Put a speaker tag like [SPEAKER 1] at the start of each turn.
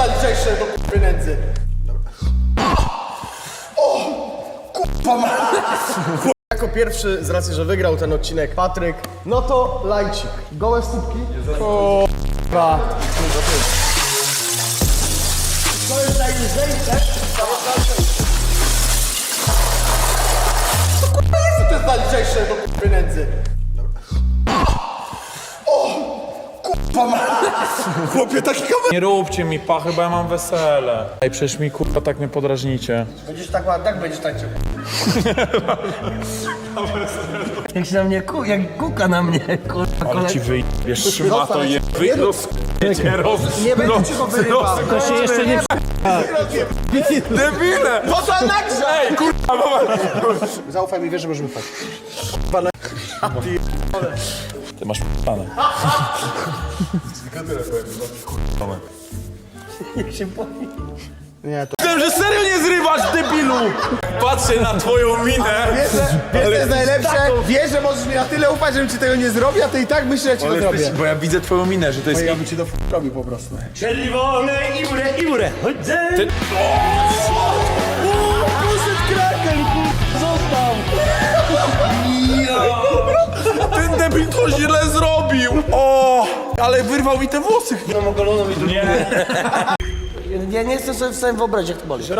[SPEAKER 1] zaliczajsze do pieniędzy. Jako pierwszy, z racji, że wygrał ten odcinek Patryk, no to lajcik. Gołe stópki. O, k***a. To jest najlżejsze. To k***a jest to zaliczajsze do pieniędzy. Chłopie, taki kamer.
[SPEAKER 2] Nie róbcie mi pachy, bo ja mam wesele. Ej, przecież mi kurwa tak mnie podrażnicie.
[SPEAKER 1] Będziesz tak ładny, tak będziesz tańczył.
[SPEAKER 3] Jak się na mnie jak kuka na mnie, kurwa.
[SPEAKER 2] Ale ci wyjdziesz, szmato je...
[SPEAKER 1] Nie będzie ci go wyrywał.
[SPEAKER 3] To się jeszcze nie...
[SPEAKER 2] Debile!
[SPEAKER 1] Po co nagrze?
[SPEAKER 2] Ej, kurwa,
[SPEAKER 1] Zaufaj mi, wiesz, że możemy wpaść.
[SPEAKER 2] Ty masz p***ane.
[SPEAKER 1] Nie, to...
[SPEAKER 2] Myślałem, że serio nie zrywasz, debilu! Patrzę na twoją minę.
[SPEAKER 1] Wiesz, co jest najlepsze? Wiesz, że możesz mi na tyle ufać, żebym ci tego nie zrobił, a ty i tak myślisz, że ja ci to zrobię.
[SPEAKER 2] Bo ja widzę twoją minę, że to jest...
[SPEAKER 1] Ja bym ci to robił po prostu.
[SPEAKER 3] Czerwone i mure, chodzę.
[SPEAKER 2] Ty...
[SPEAKER 1] Poszedł krakel, został.
[SPEAKER 2] Ten debil to źle zrobił! O! Ale wyrwał mi te włosy.
[SPEAKER 3] Ja nie jestem sobie w stanie wyobrazić, jak to boli.